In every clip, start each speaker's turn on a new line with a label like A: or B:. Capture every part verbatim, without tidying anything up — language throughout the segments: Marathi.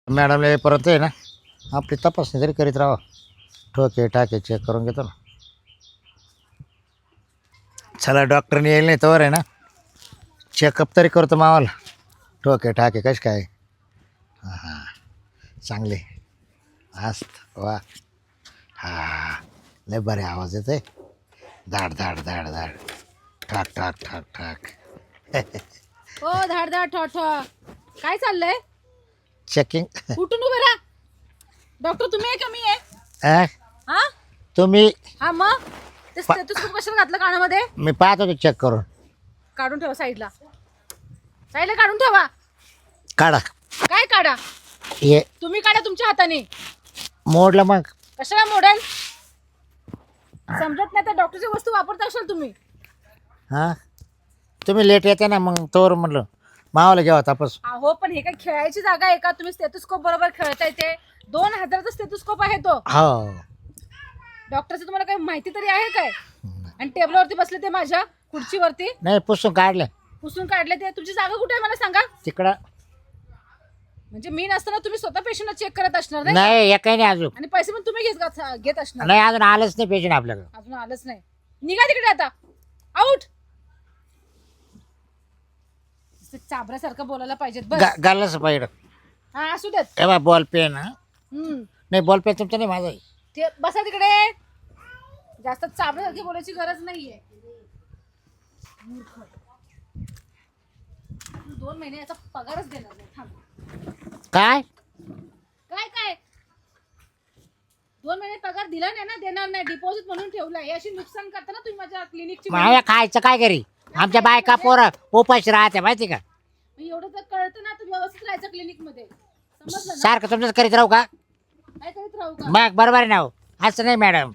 A: मॅडमला परत आहे ना आपली तपासणी तरी करीत राहा. ठोके टाके चेक करून घेतो ना. चला डॉक्टरने येईल नाही तर आहे ना चेकअप तरी करतो मावाला. ठोके टाके कश काय. हां हां चांगले मस्त वा. हां लय बरे आवाज येते. धाड धाड धाड धाड ठाक ठाक ठाक ठाक.
B: ओ धाड धाड ठो ठो काय चाललंय?
A: चेकिंग.
B: उठून उभे राहा. डॉक्टर तुम्ही आहे का मी आहे?
A: अ
B: हा
A: तुम्ही
B: हा मग ते स्टेथोस्कोप कशाला घातलं कानामध्ये?
A: मी पाहत होतो चेक करून.
B: काढून ठेवा साईडला. साईडला काढून ठेवा.
A: काढा
B: काय काढा?
A: हे
B: तुम्ही काढा तुमच्या हाताने.
A: मोडलं मग.
B: कशाला मोडेल? समजत नाही तर डॉक्टरची वस्तू वापरता असाल तुम्ही.
A: हां तुम्ही लेट येते ना मग तोवर म्हटलं मावाला घ्यावा तापस.
B: अहो पण हे काय खेळायची जागा आहे का? तुम्ही स्टेथोस्कोप बरोबर खेळताय ते. दोन हजाराचा स्टेथोस्कोप आहे तो.
A: हो
B: डॉक्टरचं तुम्हाला काही माहिती तरी आहे काय? आणि टेबलवरती बसले ते माझ्या खुर्चीवरती
A: नाही पुसून काढलं
B: पुसून काढले ते. तुमची जागा कुठे आहे मला सांगा.
A: तिकडं.
B: म्हणजे मी नसताना तुम्ही स्वतः पेशंटला चेक करत असणार नाही?
A: नाही एकही नाही अजून.
B: आणि पैसे पण तुम्ही घेत घेत असणार.
A: नाही अजून आलंच नाही पेशंट आपल्याकडं.
B: अजून आलंच नाही. निघा तिकडे आता. आउट. चाबऱ्यासारखं बोलायला पाहिजेत बस.
A: गालच पाहिजे.
B: हा असू देत.
A: ए बा बॉल पेन.
B: हम्म
A: नाही बॉल पेन तुमचं नाही माझा आहे.
B: ते बसा तिकडे. जास्त चाबऱ्यासारखी बोलायची गरज नाहीये. मूर्ख. दोन महिने याचा पगारच देणार नाही. थांब.
A: काय
B: काय काय दोन महिने पगार दिला नाही ना. देणार नाही. डिपॉझिट म्हणून ठेवलाय. अशी नुकसान करताना तुम्ही माझ्या क्लिनिकची.
A: माझ्या खायचं काय घरी. आमच्या बायका पोरं उपाशी राहते माहिती का.
B: एवढं तर कळतं ना. तर व्यवस्थित राहायचं क्लिनिक मध्ये. समजलं ना?
A: सारखं तुमचंच करीत राहू का
B: काय करीत राहू का?
A: मग बरोबर आहे ना हो. असं नाही मॅडम.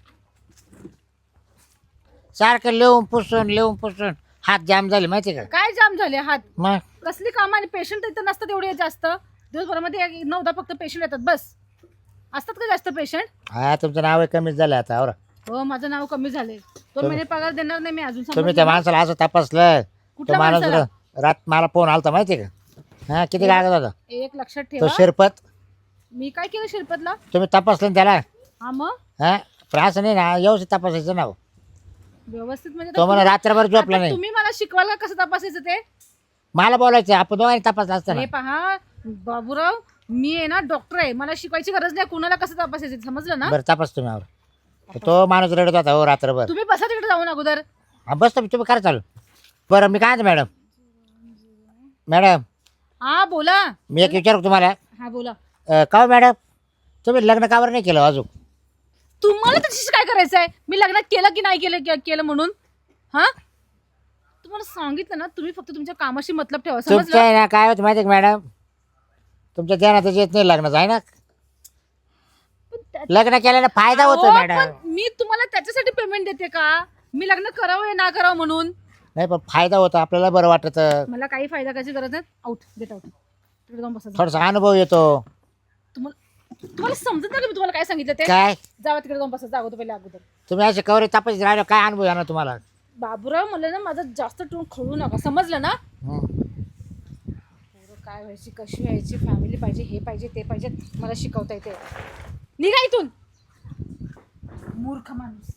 A: सारखं लिहून पुसून लिहून पुसून हात जाम झाले माहिती का.
B: काय जाम झाले हात?
A: मग
B: कसली काम आणि पेशंट इथं नसतात एवढे जास्त. दिवसभरामध्ये एक- नऊदा फक्त पेशंट येतात बस. असतात का जास्त पेशंट?
A: हा तुमचं नाव कमीच झालं आता. और
B: हो माझं नाव कमी झालंय. दोन महिने पगार देणार नाही मी अजून.
A: तुम्ही
B: समजलं
A: त्या
B: ना?
A: माणसाला असं तपासलं. तो
B: कुठल्या
A: माणूस
B: माणसाला?
A: रात मला फोन आलता माहिती का. हा किती लागत होता
B: एक लक्षात
A: तो
B: ठेवा.
A: शिरपत.
B: मी काय केलं शिरपतला?
A: तुम्ही तपासलं ना त्याला.
B: हा मग
A: हा पण असं नाही ना व्यवस्थित तपासायचं ना हो.
B: व्यवस्थित म्हणजे
A: तो मला रात्रभर झोपला
B: आता
A: नाही.
B: तुम्ही मला शिकवाल का कसं तपासायचं ते?
A: मला बोलायचं आपण दोघांनी तपासलं असतं ना.
B: हे पहा बाबूराव, मी आहे ना डॉक्टर आहे. मला शिकवायची गरज नाही कुणाला कसं तपासायचं. समजलं ना?
A: बरं तपास तुम्ही आवर. तो माणूस रडत होता हो रात्रभर.
B: तुम्ही बसा तिकडे जाऊन अगोदर.
A: हा बस तुम्ही तुम्ही करा चालू. बरं मी काय म्हणतो मॅडम. मॅडम
B: हा बोला.
A: मी एक विचारू तुम्हाला.
B: हा बोला.
A: अं, का हो मॅडम तुम्ही लग्न कावर नाही केलं अजून.
B: तुम्हाला त्याच्याशी काय करायचं आहे? मी लग्न केलं की नाही केलं के- केलं म्हणून. हा तुम्हाला सांगितलं ना. तुम्ही फक्त तुमच्या कामाशी मतलब ठेवा.
A: तुमचं
B: समजलं?
A: आहे ना काय होतं माहिती आहे का मॅडम. तुमच्या ध्यानातच येत नाही लग्नाचं आहे ना.
B: पण त्या-
A: लग्न केल्याने फायदा होतो
B: अहो,
A: मॅडम.
B: पण मी तुम्हाला त्याच्यासाठी पेमेंट देते का? मी लग्न करावं या ना करावं म्हणून.
A: नाही पण फायदा होतो आपल्याला बरं वाटत.
B: मला काही फायदा करायची गरज नाही. Out get out. तिकडे जाऊन बसा.
A: थोडासा अनुभव येतो.
B: तुम्हाला तुम्हाला समजत नाही का मी तुम्हाला काय सांगितलं ते?
A: काय
B: जावा तिकडे जाऊन बसा. जावं तो पहिले अगोदर.
A: तुम्ही असे कवरे तपास राहिले काय अनुभव येणार तुम्हाला.
B: बाबूराव मला ना माझं जास्त टोन खळू नका. समजलं ना?
A: हं.
B: पोरं काय व्हायची कशी व्हायची फॅमिली पाहिजे हे पाहिजे ते पाहिजे मला शिकवता येते. निघा इथून मूर्ख माणूस.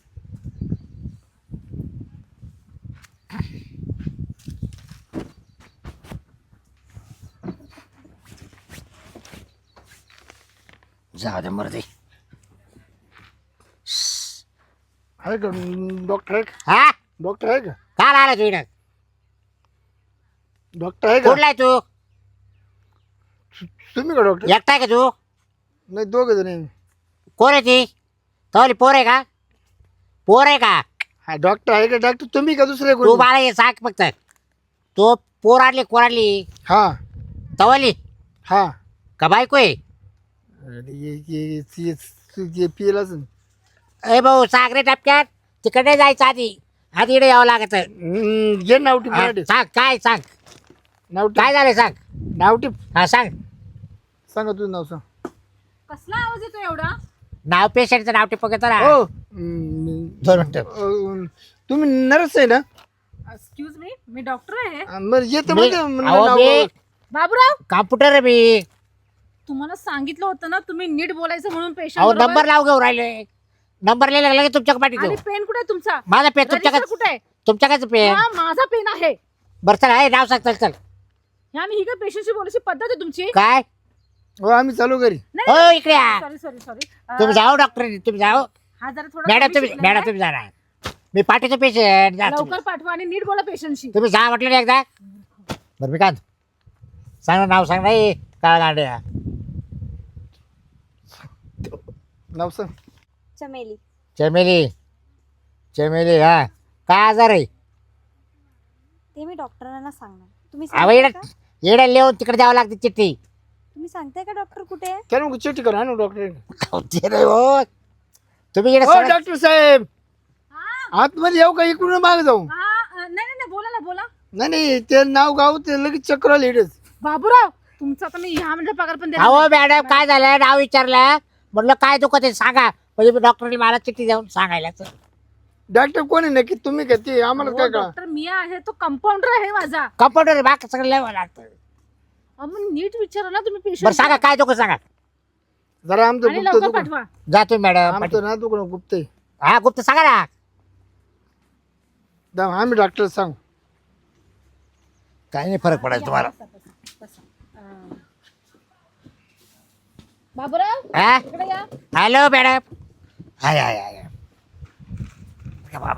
A: जाऊ दे मर्दी.
C: आहे का डॉक्टर आहे का?
A: हा
C: डॉक्टर आहे का?
A: काय आला तू इकडं.
C: डॉक्टर आहे का?
A: कुठला आहे तू.
C: तुम्ही का डॉक्टर?
A: एकटा आहे का तू.
C: नाही दोघं जण आहे.
A: कोण आहे ती तवली पोर आहे का. पोर आहे का.
C: हा डॉक्टर आहे का? डॉक्टर तुम्ही का दुसरे
A: तू
C: कोण?
A: मला हे सांग फक्त. तो पोर आणली कोराली
C: हा
A: तवली
C: हा
A: का बायको आहे.
C: अरे ये ये ये- ये पिलाच
A: ए भाऊ सांग रे टपक्यात. तिकडे जायचं आधी आधी इकडे यावं लागत.
C: जे नावटी मराठी
A: सांग काय सांग
C: नावटी
A: काय झालं सांग.
C: नावटी
A: हा सांग.
C: सांगा तुझं नाव सांग.
B: कसला आवाज येतो एवढा?
A: नाव पेशंटचं नाव टिपक ना.
C: हो हम्म,
A: दोन मिनिटं.
C: अं, तुम्ही नर्स आहे ना?
B: एक्सक्यूज मी मी डॉक्टर आहे.
C: बरं येतं
A: मी-
C: म्हणजे
A: अहो,
C: नाव
A: मी
B: बाबूराव
A: कॉम्प्युटर आहे मी.
B: तुम्हाला सांगितलं होतं ना तुम्ही नीट बोलायचं म्हणून
A: अहो
B: पेशंट
A: नंबर लाव घेऊ राहिले. नंबर लिहिला लागला की तुमच्या पाठी देऊ.
B: आणि पेन कुठे आहे तुमचा?
A: माझा पेन
B: रजिस्टर
A: तुमच्याकडे
B: कुठे आहे?
A: तुमच्याकडेच पेन.
B: हा, माझा पेन आहे.
A: बरं चल आहे नाव सांग चल चल.
B: आणि ही काय पेशंटशी बोलायची पद्धत आहे तुमची?
A: काय
C: हो आम्ही चालू घरी.
A: हो इकडे या.
B: सॉरी सॉरी सॉरी
A: तुम्ही जाओ डॉक्टर तुम्ही जाओ.
B: हा जरा थोडा
A: मॅडम
B: कमी
A: तुम्ही
B: शिकलेला
A: मॅडम
B: आहे.
A: तुम्ही जाणार. मी पाठीचं पेशंट जा तुम्ही.
B: लवकर पाठवा आणि नीट बोला पेशंटशी.
A: तुम्ही जा म्हटलं ना एकदा. बरं मी काय म्हणतो? सांग ना नाव सांग नाही काय गाड्या.
C: नाव सांग.
D: चमेली.
A: चमेली चमेली हा काय आजार आहे?
D: ते मी डॉक्टरांना सांगणार. तुम्ही
A: अहो
D: सांगताय
A: येडा
D: का?
A: येडा लिहून तिकडे द्यावं लागते चिठ्ठी.
D: तुम्ही सांगताय का डॉक्टर कुठे आहे?
C: त्याला मग चिठ्ठी करा ना डॉक्टर.
A: ते नाही हो तुम्ही येडा
C: हो
A: सगळं-
C: डॉक्टर साहेब
B: हा,
C: आतमध्ये येऊ का इकडून मागे जाऊ?
B: हा, अ, नाही नाही नाही, बोला ना बोला.
C: नाही नाही ते नाव गाव ते लगेच चक्र आली इकडेच.
B: बाबूराव तुमचा आता मी ह्या म्हणजे पगार पण देणार
A: अहो
B: नाही.
A: मॅडम काय झालं नाव विचारलं म्हटलं काय दुखत आहे सांगा म्हणजे डॉक्टरने मला चिठ्ठी देऊन सांगायलाच.
C: डॉक्टर कोण आहे नक्की तुम्ही का ते आम्हाला
B: हो,
C: काय कळा?
B: डॉक्टर मी आहे तो कंपाऊंडर आहे माझा.
A: कंपाऊंडर बाकी सगळं लिहावं लागतं.
B: अहो, मग नीट विचारा ना तुम्ही
A: बरं
B: पेशंट
A: सांगा काय दुखत सांगा.
C: जरा आमचं
B: आणि
C: गुप्त
B: लवकर
C: दुकान
B: पाठवा.
A: जातो मॅडम
C: आमचं ना दुकान गुप्त आहे.
A: हा गुप्त सांगा ना.
C: दा- आम्ही डॉक्टर सांग.
A: काही नाही फरक पडायचा तुम्हाला.
B: अं, बाबूराव
A: हा
B: इकडे या.
A: हॅलो मॅडम हाय हाय हाय का बाबा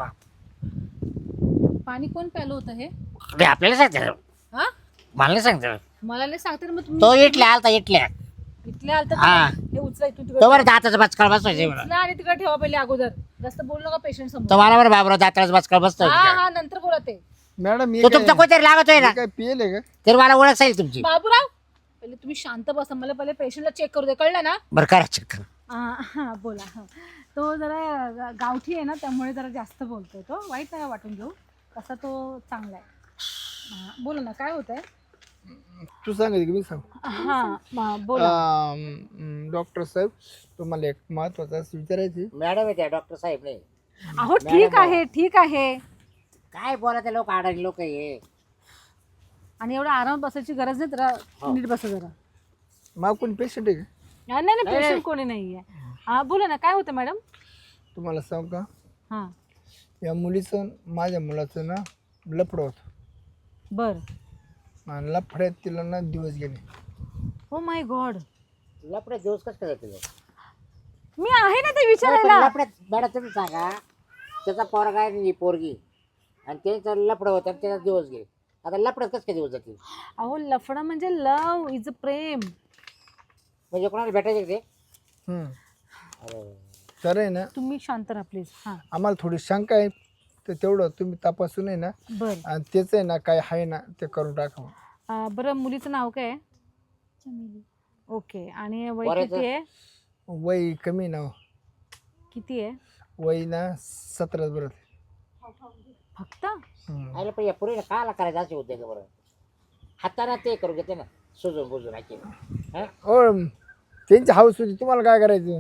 B: पाणी कोण प्यालं होतं हे?
A: ते आपल्याला सांगते
B: हा
A: मला नाही सांगते.
B: मला नाही सांगते ना मग
A: तो
B: तुम्ही
A: इटल्या आलता इटल्या
B: इथले आलत
A: हा.
B: हे उचला इथून तिकडे
A: तो बरं दाताचा बचकाळ बसवायचे मला.
B: उचला आणि तिकडे ठेवा पहिले अगोदर. जास्त बोलू नका पेशंट समोर.
A: तो मला बरं बाबराव दाताचा बचकाळ बसतोय.
B: हा हा नंतर बोला ते.
C: मॅडम मी
A: तो तुमचा कोणतरी लागतोय ना
C: काय पियले का?
A: तर मला ओळख जाईल तुमची.
B: बाबूराव पहिले तुम्ही शांत बसा. मला पहिले पेशंटला चेक करू दे कळलं ना?
A: बरं करा चक्कर.
B: हा हा, बोला हा. तो जरा गा- गावठी आहे ना त्यामुळे जरा जास्त बोलतोय तो. वाईट नाही वाटून घेऊ. तसा तो चांगला आहे. हा, बोला ना काय होत आहे?
C: तू सांगायचं की मी सांग.
B: हा म- बोला.
C: अं, डॉक्टर साहेब तुम्हाला एक महत्वाचं असं विचारायचे.
A: मॅडम आहे त्या डॉक्टर साहेब नाही.
B: अहो ठीक आहे ठीक आहे.
A: काय बोला ते लोक आडाणी लोक हे.
B: आणि एवढा आराम बसायची गरज नाही. जरा
A: हो.
B: नीट बसा जरा.
C: मग कोण पेशंट आहे का?
B: नाही नाही पेशंट कोणी नाहीये. हा बोला ना काय होतं मॅडम?
C: तुम्हाला सांग का
B: हा
C: या मुलीचं माझ्या मुलाचं ना लफडं होतं.
B: बर.
C: आणि लफड्यात तिला ना दिवस गेले.
B: Oh my God.
A: लपड्यात दिवस कसं काय जातील?
B: मी आहे ना ते विचारायला.
A: लपड्यात मॅडम तुम्ही सांगा त्याचा पोरगा आहे आणि पोरगी आणि त्याचं लपडं होतं आणि त्याचा दिवस गेले. आता लपड्यात कसं काय दिवस जातील?
B: अहो लफडा म्हणजे लव इज अ प्रेम.
A: म्हणजे कोणाला भेटायचे का ते?
C: हम्म.
A: अरे.
C: तर आहे ना
B: तुम्ही शांत राहा प्लीज. हा
C: आम्हाला थोडी शंका आहे तर तेवढं तुम्ही तपासून आहे ना
B: बर.
C: आणि त्याचं आहे ना काय आहे ना ते करून टाका.
B: अं, बरं मुलीचं नाव काय आहे?
D: चमेली.
B: ओके. आणि वय
A: पोराचं?
B: किती आहे?
C: वय कमी ना
B: किती आहे
C: वय ना सतरा बरं.
B: फक्त?
A: अरे पण या पुरीला काला करायचं असे होते का बरं? हाताने ते करू घेते ना सुजून बुजून ऐके.
C: हो त्यांची हाऊस होती तुम्हाला काय करायचं?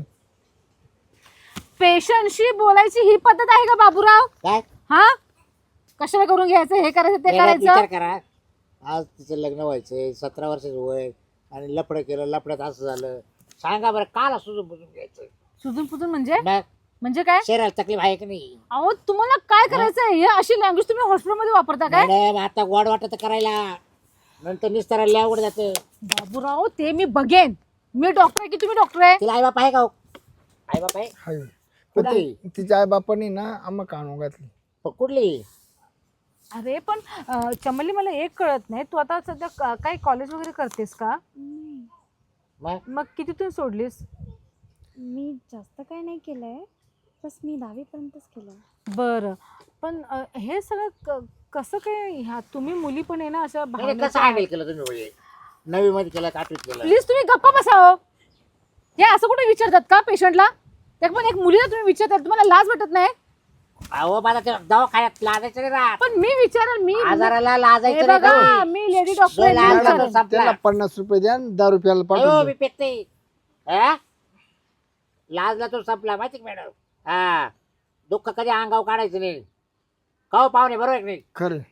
B: पेशंटशी बोलायची ही पद्धत आहे का बाबूराव?
A: काय
B: हा कशाला करून घ्यायचं हे करायचं ते
A: एकदा विचार
B: करायचं?
A: करा आज तिचं लग्न व्हायचंय सतरा वर्षाचं वय आणि लफडं केलं लफड्यात असं झालं. सांगा बरं काला सुजून बुजून घ्यायचं?
B: सुजून पुजून म्हणजे
A: मग
B: म्हणजे काय?
A: शरीराला तकलीफ आहे की नाही?
B: अहो तुम्हाला काय करायचंय? हे अशी लँग्वेज तुम्ही हॉस्पिटलमध्ये वापरता काय?
A: मॅडम आता गोड वाटत करायला नंतर निस्तारायला अवघड जातं.
B: बाबूराव ते मी बघेन. मी डॉक्टर आहे की तुम्ही डॉक्टर आहे?
A: तिला आई बाप आहे का हो? आई बाप आहे
C: हाय पण
A: कुठली?
C: ती- तिच्या आई बापाने ना आम्हा काढून घातली.
A: पण कुठली?
B: अरे पण अं, चमली मला एक कळत नाही. तू आता सध्या क- काही कॉलेज वगैरे करतेस का?
D: नाही,
A: मग
B: मग कितीतून सोडलीस?
D: मी जास्त काय नाही केलंय. बस मी दहावीपर्यंतच केलंय.
B: बरं पण अं, हे सगळं क- कसं काय? ह्या तुम्ही मुली पण आहे ना अशा
A: म्हणजे
B: भावनेच्या
A: कसं हँडल केलं तुम्ही म्हणजे नवी मध्ये केलं का आठवीत केलं?
B: प्लीज तुम्ही गप्पा बसाव. हे असं कुठे विचारतात का पेशंटला? ते पण एक मुलीला तुम्ही विचारतात. तुम्हाला लाज वाटत नाही?
A: अहो माझा ते दवाखान्यात लाजायचं नाही राहत.
B: पण मी विचारेल. मी
A: आजाराला
B: हे
A: लाजायचं नाही
B: बघा
A: का?
B: मी लेडी डॉक्टर आहे,
A: जो
B: मी
A: लाज
B: विचारेल.
A: वाटत संपला.
C: त्याला पन्नास रुपये द्या आणि दहा रुपयाला
A: अहो,
C: पाठवून
A: मी
C: द्या.
A: पेत नाही. हा? लाजला तो संपला माहिती का मॅडम? हा दुःख कधी अंगावर काढायचं नाही. काहो पाहुणे बरोबर आहे की नाही?
C: खरं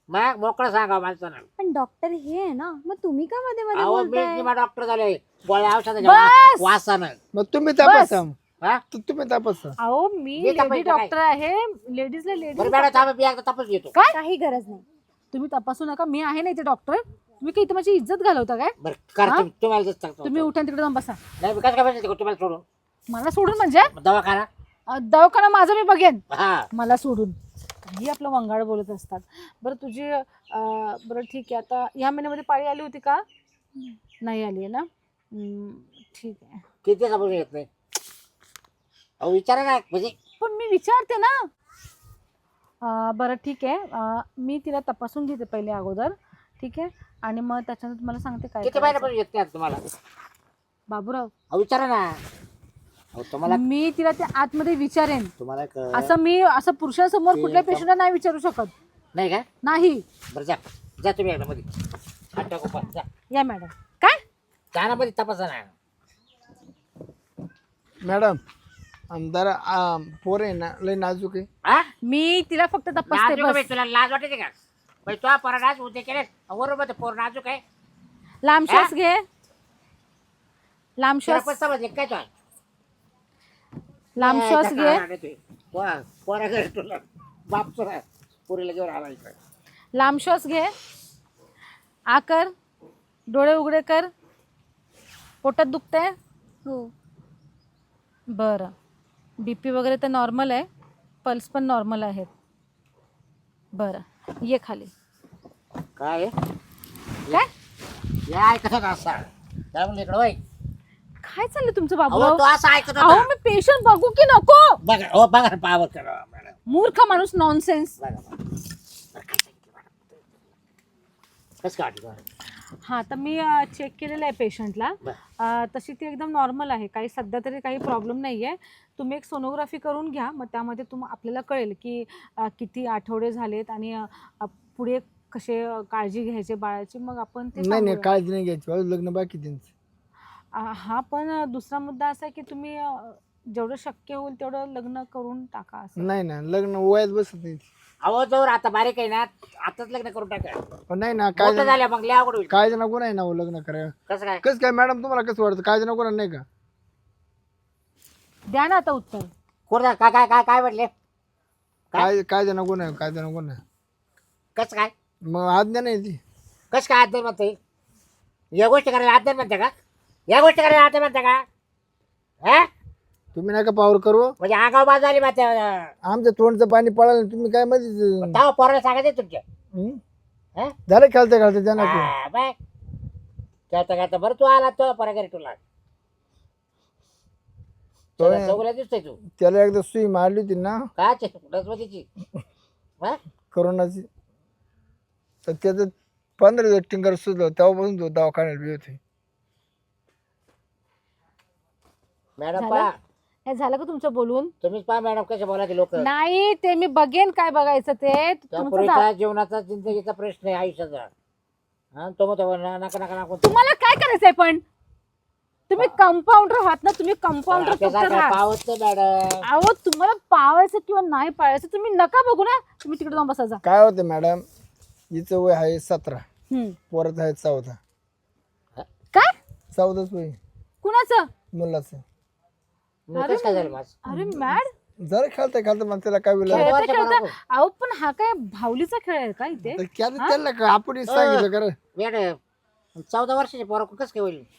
A: मग मोकळं सांगा माणसानं.
D: पण डॉक्टर हे आहे ना, मग तुम्ही का मध्ये मध्ये
A: अहो
D: बोलताय?
A: मी डॉक्टर झाले गोळ्या औषधाच्या
B: बस!
A: वा- वासानं.
C: मग तुम्ही तपासा
A: हा?
C: तू- तुम्ही तपासा.
B: अहो मी
A: मी
B: लेडी
A: तपासतो काय?
B: डॉक्टर आहे, लेडीजला
A: बरं
B: लेडीज
A: मॅडम थांबा मी एकदा तपास घेतो.
B: काय
D: काही गरज नाही.
B: तुम्ही तपासू नका, मी आहे ना इथे डॉक्टर. तुम्ही काही इथे माझी इज्जत घालवता काय?
A: बरं कर
B: हा?
A: तुम्ही- तुम्हाला जे सांगतो.
B: तुम्ही उठा तिकडे जाऊन बसा.
A: नाही मी कसं काय बसायचं तुम्हाला सोडून
B: मला सोडून म्हणजे
A: दवाखाना.
B: अं, दवाखाना माझा मी बघेन.
A: हा
B: मला सोडून काही आपलं वंगाळ बोलत असतात. बरं तुझी अं, बरं ठीक आहे. आता या महिन्यामध्ये पाळी आली होती का? नाही आली आहे ना? हम्म, ठीक आहे.
A: किती समजून येत नाही. अहो विचारा ना म्हणजे
B: पण मी विचारते ना. अं, बरं ठीक आहे. अं, मी तिला तपासून घेते पहिले अगोदर. ठीक आहे. आणि मग त्याच्यानंतर तुम्हाला सांगते काय
A: किती
B: करायचं.
A: महिन्यापासून येत नाही आता तुम्हाला.
B: बाबूराव
A: अहो विचारा ना. अहो तुम्हाला
B: मी तिला ते आतमध्ये विचारेन.
A: तुम्हाला एक
B: असं मी असं पुरुषांसमोर
A: ते
B: कुठल्या
A: कम-
B: पेशंटला नाही विचारू शकत.
A: नाही का.
B: नाही.
A: बरं जा जा तुम्ही एकदा मध्ये हात टाकू पण जा.
B: या मॅडम. काय?
A: कानामध्ये तपासा ना.
C: मॅडम आमदार आ, पोर आहे ना लय नाजूक आहे.
A: हा
B: मी तिला फक्त तपासते
A: नाजूक आहे
B: बस.
A: बाई, तुला लाज वाटते का बाई? तो पोरा नाच उद्या केले बरोबर पोर नाजूक आहे.
B: लांब श्वास घे. लांब
A: तुला
B: श्वास
A: पण समजले काय तो
B: लांब श्वास घे.
A: पोरा घरी तुला बाप तुला पोरीला घेऊन आला इकडे.
B: लांब श्वास घे. आ कर. डोळे उघडे कर. पोटात दुखतंय?
D: हो.
B: बरं. बी पी वगैरे तर नॉर्मल आहे, पल्स पण नॉर्मल आहेत. बरं ये खाली.
A: काय आहे?
B: काय
A: या ऐकत होता असा काय म्हणलं इकडं बाई.
B: काय चाललं तुमचं
A: अहो
B: बाबूराव?
A: तो असं ऐकत
B: अहो
A: होता.
B: मी पेशंट बघू की नको?
A: बघा हो बघा पावर करा मॅडम.
B: मूर्ख माणूस. नॉनसेन्स.
A: बघा बघा. बरं, काय सांगितलं मॅडम? कसं काय वाटलं तुम्हाला?
B: हां तर मी चेक केलेलं आहे पेशंटला.
A: बरं.
B: तशी ती एकदम नॉर्मल आहे. काही सध्या तरी काही प्रॉब्लेम नाही आहे. तुम्ही एक सोनोग्राफी करून घ्या. मग त्यामध्ये तुम आपल्याला कळेल की अ, किती आठवडे झालेत आणि अ, अ, पुढे कसे अ, काळजी घ्यायचे बाळाची. मग आपण ते
C: नाही नाही
B: सांगूया.
C: काळजी नाही घ्यायची अजून लग्न बाकी त्यांचं.
B: अ, हा पण अ, दुसरा मुद्दा असा आहे की तुम्ही अ, जेवढं शक्य होईल तेवढं लग्न करून टाका असं.
C: नाही ना लग्न वयात बसत नाही.
A: अहो जवळ आता बारीक आहे ना आताच लग्न करून टाका.
C: पण नाही ना काय
A: मोठं झालं मग लय अवघड होईल.
C: काय नको नाही ना हो लग्न करायला.
A: कसं काय?
C: कसं काय मॅडम तुम्हाला कसं वाटतं काय नको नाही का?
B: द्या ना आता उत्तर.
A: कोण काय काय काय काय म्हटले?
C: काय काय नको नाही काय नको नाही.
A: कसं काय?
C: मग आज्ञा नाही ती.
A: कसं काय अध्ययन म्हणते? या गोष्टी करायला अध्ययन म्हणते का? या गोष्टी करायला अध्ययन म्हणते का? हा
C: तुम्ही नका पावर करू.
A: म्हणजे आगाव बाजू झाली माते.
C: आमच्या तोंडचं पाणी पळालं तुम्ही काय मध्ये
A: तेव्हा पोराला सांगायचं तुमच्या. हा?
C: झालं खेळता खेळता त्यांना
A: हा, बाय खेळता खेळता बरं तू आला तो पोरा घरी तुला
C: तो-
A: चौगुला दिसतोय तू
C: त्याला एकदा सुई मारली होती ना
A: काच रसवतीची. हा
C: करोनाची तर त्याचं पंधरा दिवस टिंगर सुचलं तेव्हापासून तो दवाखान्यात बी होते.
A: मॅडम
B: झालं?
A: पहा
B: हे झालं का तुमचं बोलून?
A: तुम्हीच पहा मॅडम कसे बोलायचे लोक.
B: नाही ते मी बघेन काय बघायचं ते.
A: त्या
B: तुमचं
A: पोरीचा
B: झा-
A: जीवनाचा जिंदगीचा प्रश्न आहे आयुष्याचा. हा तो मग नका नका नको
B: तुम्हाला काय करायचंय पण? तुम्ही कंपाऊंडर आहात ना. तुम्ही कंपाऊंडर फक्त राहा.
A: पावत मॅडम.
B: अहो तुम्हाला पावायचं किंवा नाही पाळायचं तुम्ही नका बघू ना. तुम्ही तिकडे जाऊन बसा जा.
C: काय होतं मॅडम हिचं वय आहे सतरा
B: हम्म.
C: पोराचं आहे चौदा.
B: काय?
C: चौदाच वय
B: कुणाचं?
C: मुलाचं.
A: मग कसं काय झालं माझं?
B: अरे मॅड.
C: जरा खेळता खेळता मग त्याला काय वेळ
B: खेळता
A: वर्ष
B: खेळता.
A: बरोबर.
B: अहो पण हा काय भावलीचा खेळ आहे का इथे?
C: त्याला काय आपण सांगितलं कर
A: मॅडम चौदा वर्षाचे पोरा कसं काय होईल?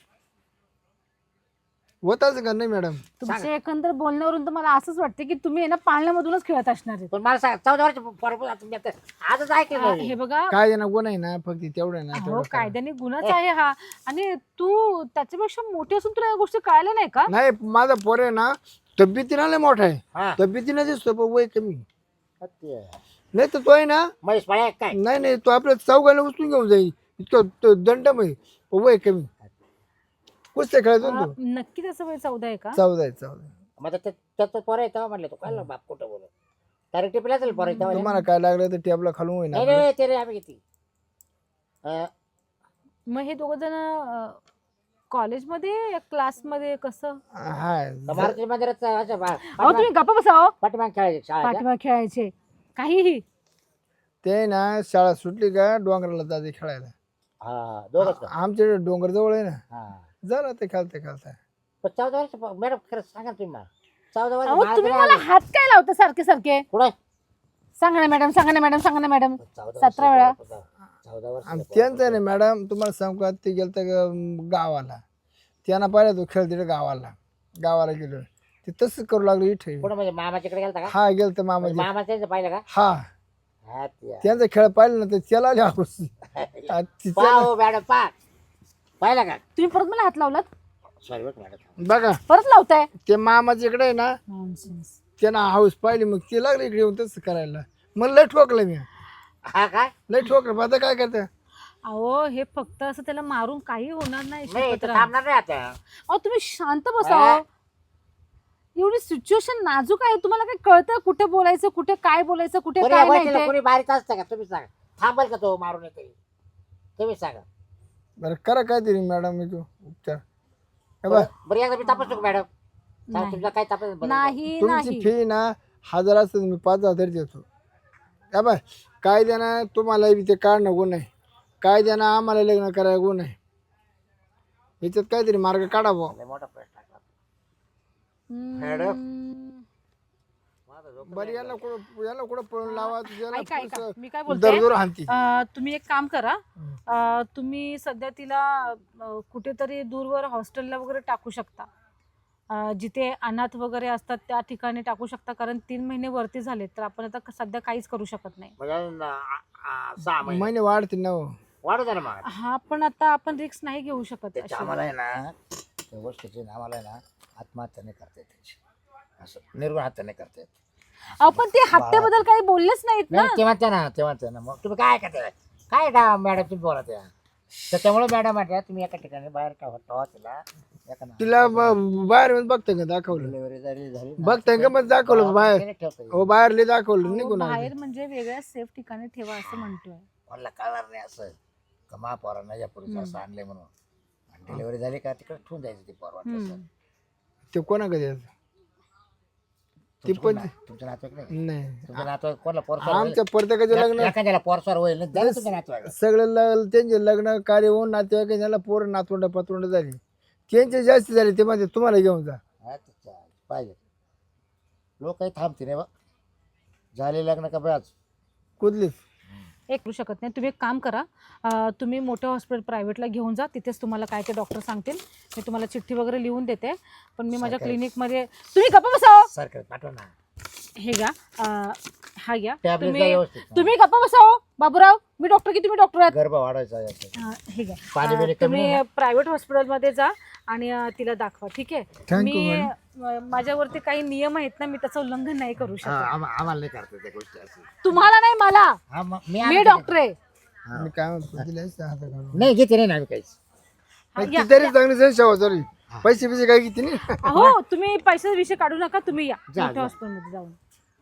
C: होताच का नाही मॅडम?
B: तुमच्या एकंदर बोलण्यावरून तर मला असंच वाटते की तुम्ही आहे ना पाळण्यामधूनच खेळत असणार आहे.
A: पण मला सांग चौदा वर्ष पोरा तुम्ही आता आजच ऐकलं
B: आ,
A: नाही.
B: हे बघा.
C: काय ना गुन्हा आहे ना फक्त तेवढं आहे ना
B: अहो
C: तेवढं करा.
B: कायद्याने गुन्हाच आहे हा. आणि तू त्याच्यापेक्षा मोठी असून तुला या गोष्टी कळाल्या नाही का?
C: नाही माझा पोर आहे ना तब्येतीनं लय मोठा आहे.
A: हा.
C: तब्येतीनं दिसतो पण वय कमी.
A: सत्य.
C: नाही तर तो आहे ना
A: महेश पाळ्या काय?
C: नाही नाही तो आपल्या चौघाला उचलून घेऊन जाईल इतकं तो दंडमय पण वय कमी. कुस्त्या खेळायचो ना
B: आ,
C: तो.
B: नक्की त्याचं वय चौदा आहे का?
C: चौदा आहे चौदा.
A: मग आता त्याचं पोरं आहे तेव्हा म्हणलं तू काय बाप कुठं बोलत तर टिपला असेल पोरं तेव्हा.
C: तुम्हाला काय लागलं तर टेबला खालून होईना
A: नाही नाही ते रे आम्ही किती अं,
B: मग हे दोघ जण कॉलेजमध्ये या क्लासमध्ये कसं?
C: हाय
A: मारुती मंदिरात असं बा-
B: अहो तुम्ही गप्पा बसा. हो
A: पाठीमागे खेळायचे शाळा
B: पाठीमागे खेळायचे काहीही.
C: ते ना शाळा सुटली का डोंगराला जाते खेळायला.
A: हा दोघंच का?
C: आमच्या डोंगर जवळ आहे ना,
A: हा
C: झालं ते खेळता खेळता.
A: पण चौदा वर्ष मॅडम खरं सांगा तुम्ही मला चौदा वर्ष
B: अहो
A: मला
B: तुम्ही
A: तरी
B: मला
A: आलं.
B: हात काय लावता सारखे सारखे?
A: कुठं?
B: सांगा ना मॅडम, सांगा ना मॅडम, सांगा ना मॅडम.
A: चौदा वर्ष
B: सतरा वेळा.
A: चौदा वर्ष
C: आणि त्यांचं आहे ना मॅडम, तुम्हाला सांगू का, ते गेलं तर गावाला, त्यांना पाहिलं तो खेळ तिथे गावाला गावाला गेलो ते तसंच करू लागलो इथे.
A: कुठं म्हणजे मामाच्याकडे गेलता का?
C: हा गेलं तर मामा
A: मामा त्यांचं पाहिलं का?
C: हा
A: हा ते आहे.
C: त्यांचा खेळ पाहिलं ना तर त्याला आली हाऊस. आ, ती
A: पहा
C: त्याला-
A: हो मॅडम पहा पाहिलं का?
B: तुम्ही परत मला हात लावलात?
A: सॉरी बरं मॅडम.
C: बघा
B: परत लावताय?
C: ते मामाच्या इकडे आहे ना,
B: Nonsense.
C: त्यांना हाऊस पाहिली, मग ते लागले इकडे येऊन तसं करायला. मला लय ठोकलं मी,
A: हा काय
C: लय ठोकलं. मग आता काय करता?
B: अहो हे फक्त असं त्याला मारून काही होणार नाही
A: नाही
B: शिकत
A: तर
B: राहा.
A: थांबणार नाही आता.
B: अहो तुम्ही शांत बसा
A: हा.
B: हो. एवढी सिच्युएशन नाजूक आहे, तुम्हाला काय कळतं कुठे बोलायचं, कुठे काय बोलायचं, कुठे
A: कोणी
B: काय नाही
A: बसलेलं,
B: ते?
A: कोणी बारीक असतं का? तुम्ही सांगा. थांबल का तो मारून येते? तुम्ही सांगा.
C: बरं करा काय तरी मॅडम, मी तू उपचार. हे बघ,
A: बरं एकदा मी तपासतो का मॅडम? सांगा
B: नाही.
A: तुमचा काय तपास बरं.
B: नाही
C: तुमची
B: नाही
C: फी ना हजार असतं, मी पाच हजार देतो. या बाय काय देणार तुम्हाला बी ते काढणं गुण आहे, काय देणार आम्हाला लग्न करायला गुण आहे. याच्यात काहीतरी मार्ग काढावा.
A: लय मोठा प्रश्न टाकला.
B: हम्म.
C: बरं याला कुठं याला कुठं पळून लावा,
B: ऐका ऐका
C: तुझ्याला
B: मी काय बोलते,
C: दरदूर हाणती.
B: अं, तुम्ही एक काम करा, अं, तुम्ही सध्या तिला अं, कुठेतरी दूरवर हॉस्टेलला वगैरे टाकू शकता. अं, जिथे अनाथ वगैरे असतात त्या ठिकाणी टाकू शकता, कारण तीन महिने वरती झाले तर आपण आता क- सध्या काहीच करू शकत नाही.
A: म्हणजे न- आ- आ- सहा महिने
C: महिने वाढते ना हो.
A: वाढू द्या ना मग.
B: हा पण आता आपण रिस्क नाही घेऊ शकत
A: त्याच्या
B: अशी.
A: आम्हाला आहे ना त्या गोष्टीची ना आम्हाला आहे ना आत्महत्या नाही करता येत त्याची, असं निर्गुण हत्या नाही करता येत.
B: अहो पण ते हप्त्याबद्दल काही बोललेच नाहीत ना.
A: नाही ते म्हणते ना ते म्हणते ना मग तुम्ही काय करते काय डा मॅडम तुम्ही बोला त्या त्याच्यामुळे मॅडम म्हटल्या तुम्ही एका ठिकाणी बाहेर ठेवा ठेवा तिला एका ना-
C: तिला ब- बाहेर येऊन बघता का दाखवलं,
A: डिलिव्हरी झाली झाली ना,
C: बघता का मग दाखवलं बाहेर,
A: तिने ठेवता येईल.
C: हो बाहेर लय दाखवलं
B: अहो,
C: निघून आले.
B: बाहेर म्हणजे वेगळ्या सेफ ठिकाणी ठेवा असं म्हणतोय.
A: मला कळणार नाही असं का महापौरांना या पुरुषाला असं आणलंय म्हणून. आणि डिलिव्हरी झाली का तिकडे ठेवून द्यायचं ती पोर वाटलं
B: हम्म.
C: ते कोणाकडे द्यायचं? ती पण
A: तुमच्या नातवाईक नाही
C: नाही,
A: तुमच्या नातवाईक कोणाला पोरसवार
C: आमच्या प्रत्येकाचे लग्न
A: एखाद्याला पोरसवार होईल ना द्या ना तुमच्या नातवाईक.
C: सगळे ल- त्यांचे लग्न कार्य होऊन नातेवाईक ज्याला पोर नातवंड पतवंड झाली, त्यांचे जास्त झाले, ते म्हणजे तुम्हाला घेऊन जा.
A: हा, ते चालेल. पाहिजे लोक काही थांबते नाही बा झाले लग्न का बस
C: कुठलीच
B: एक करू शकत नाही. तुम्ही एक काम करा, अं, तुम्ही मोठ्या हॉस्पिटल प्रायव्हेटला घेऊन जा, तिथेच तुम्हाला काय ते डॉक्टर सांगतील. मी तुम्हाला चिठ्ठी वगैरे लिहून देते, पण मी माझ्या
A: सरकारी.
B: क्लिनिकमध्ये तुम्ही गप्पा बसाव.
A: सरकार पाठवा ना
B: हे घ्या, अं, हा घ्या.
A: टॅबलेट
B: तुम्ही
A: व्यवस्थित
B: तुम्ही गप्पा बसाव. बाबूराव मी डॉक्टर की तुम्ही डॉक्टर आहात?
A: गर्भ वाढवायचा याचा.
B: हा, हे घ्या.
A: पाणी बिणी
B: अं,
A: कमी
B: तुम्ही
A: आहे ना?
B: प्रायव्हेट हॉस्पिटलमध्ये जा आणि अं, तिला दाखवा. ठीक आहे.
C: Thank
B: मी
C: you,
B: अं, माझ्यावरती काही नियम आहेत ना, मी त्याचं उल्लंघन नाही करू
A: हा,
B: शकत.
A: आम्हा- आम्हाला नाही करता त्या गोष्टी असं.
B: तुम्हाला नाही, मला.
A: हा, मग मी
B: मी
A: आम्ही-
B: डॉक्टर आहे.
A: हा.
C: मी काय म्हणतो तिला असं हातात घालून.
A: नाही घेते नाही ना आम्ही काहीच.
B: हा,
C: ती
B: या.
C: तरी चांगली संशय सॉरी पैसे पैसे काय किती नाही.
B: हो तुम्ही पैशाचा विषय काढू नका, तुम्ही या
A: जा,
B: मोठ्या
A: जा.
B: हॉस्पिटलमध्ये जाऊन.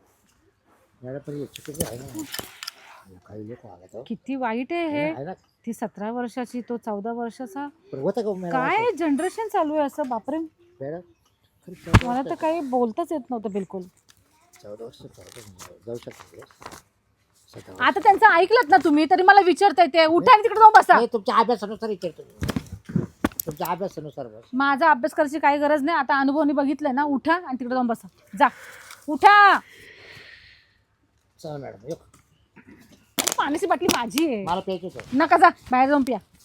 A: मॅडम पण हे चुकीचं आहे ना काही लोक वागत हो.
B: किती वाईट आहे हे.
A: आहे ना
B: ती सतरा वर्षाची, तो चौदा वर्षाचा.
A: पण होतं का मॅडम
B: काय जनरेशन चालू आहे असं, बापरे.
A: मॅडम खरं चौदा
B: मला तर काही बोलताच येत नव्हतं बिलकुल.
A: चौदा वर्ष चौदा जाऊ शकतो सतरा वर्ष.
B: आता त्यांचं ऐकलत ना तुम्ही, तरी मला विचारताय ते. उठा आणि तिकडे जाऊन बसा.
A: नाही, तुमच्या अभ्यासानुसार विचारतो मी. तुमच्या अभ्यासानुसार बस.
B: माझा अभ्यास करायची काही गरज नाही. आता अनुभवनी बघितलंय ना. उठा आणि तिकडे जाऊन बसा. जा उठा.
A: चला मॅडम येऊ.
B: पाण्याची बाटली माझी आहे.
A: मला प्यायचं होतं.
B: नका, जा बाहेर जाऊन प्या.